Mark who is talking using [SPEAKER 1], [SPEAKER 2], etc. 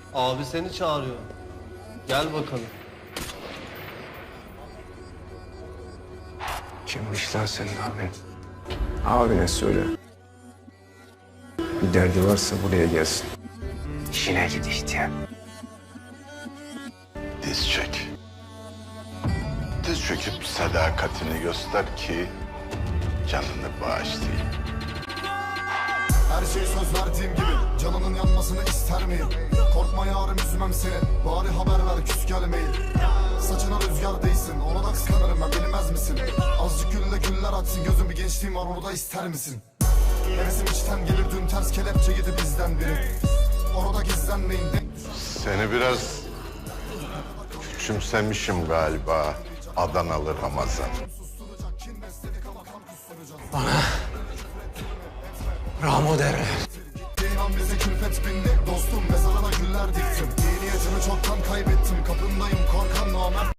[SPEAKER 1] Abi seni çağırıyor. Gel bakalım.
[SPEAKER 2] Kimmiş lan senin abin? Abine söyle. Bir derdi varsa buraya gelsin. İşine git ihtiyar.
[SPEAKER 3] Diz çök. Diz çöküp sadakatini göster ki canını bağışlayayım.
[SPEAKER 4] Her şey söz verdiğim gibi canının yanmasını ister miyim? Korkma yarım üzmem seni. Bari haber ver küs gelmeyin. Saçına rüzgar değsin. Ona da kıskanırım ben bilmez misin? Azıcık gülle güller açsın. Gözüm bir gençliğim var onu da ister misin? Hevesim içten gelir dün ters kelepçe yedi bizden biri. Orada gizlenmeyin.
[SPEAKER 3] Seni biraz küçümsemişim galiba Adanalı Ramazan.
[SPEAKER 2] Ramo derler.
[SPEAKER 4] İnan bize külfet bindi. Dostum mezarına güller diktim. İyi niyetimi çoktan kaybettim. Kapındayım korkan namert.